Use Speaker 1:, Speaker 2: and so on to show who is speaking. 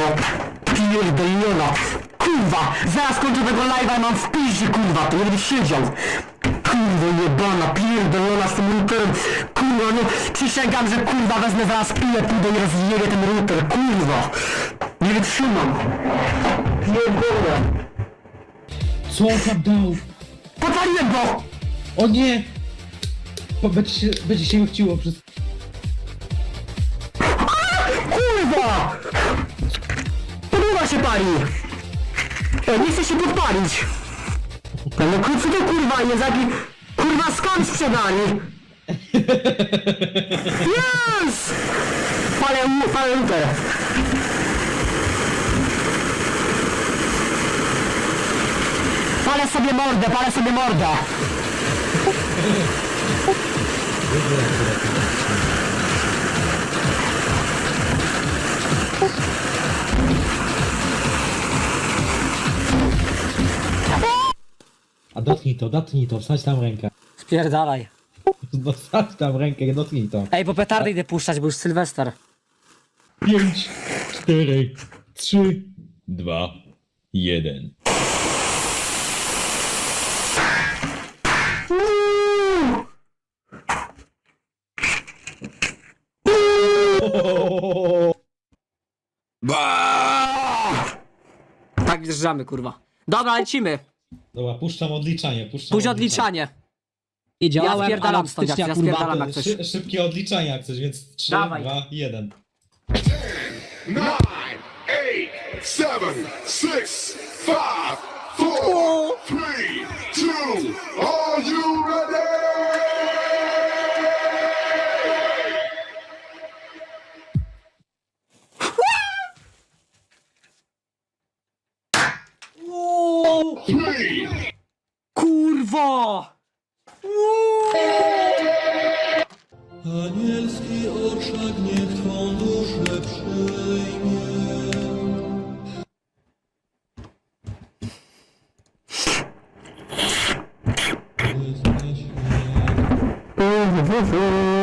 Speaker 1: kurwo! Pierdolona! Kurwa! Zaraz kończę tego live'a i mam w piździe, kurwa! To nie będę siedział! Kurwa jebana, pierdolona z tym routerem! Kurwa, no przysięgam, że kurwa wezmę zaraz piję, pójdę i rozjebię ten router, kurwa! Nie wytrzymam! Pierdolę!
Speaker 2: Co on tam dał?
Speaker 1: Podpaliłem go!
Speaker 2: O nie! Będzie się chciło przez...
Speaker 1: Kurwa! Podłoga się pali! Nie chcę się podpalić! No co to kurwa jest? Jaki kurwa skam sprzedali! Yes! Palę router! Palę sobie mordę!
Speaker 2: A dotknij to, wsadź tam rękę.
Speaker 1: Spierdalaj.
Speaker 2: No wsadź tam rękę, dotknij to.
Speaker 1: Ej, bo petardy idę puszczać, bo już Sylwester.
Speaker 2: 5, 4, 3, 2, 1.
Speaker 1: Tak wjeżdżamy, kurwa. Dobra, lecimy.
Speaker 2: Dobra, puszczam odliczanie,
Speaker 1: Pójdź odliczanie.
Speaker 2: Nie
Speaker 1: Ja
Speaker 2: działałem,
Speaker 1: spierdalam stąd,
Speaker 2: stycznia,
Speaker 1: ja
Speaker 2: kurwa,
Speaker 1: spierdalam jak coś.
Speaker 2: Szybkie odliczanie jak coś, więc 3,
Speaker 1: Dawaj.
Speaker 2: 2, 1.
Speaker 3: 9, 8, 7, 6, 5, 4, 3, 2, are you ready? Three,
Speaker 1: Kurwo!
Speaker 4: Anielski orszak niech Twą duszę przyjmie. Jesteś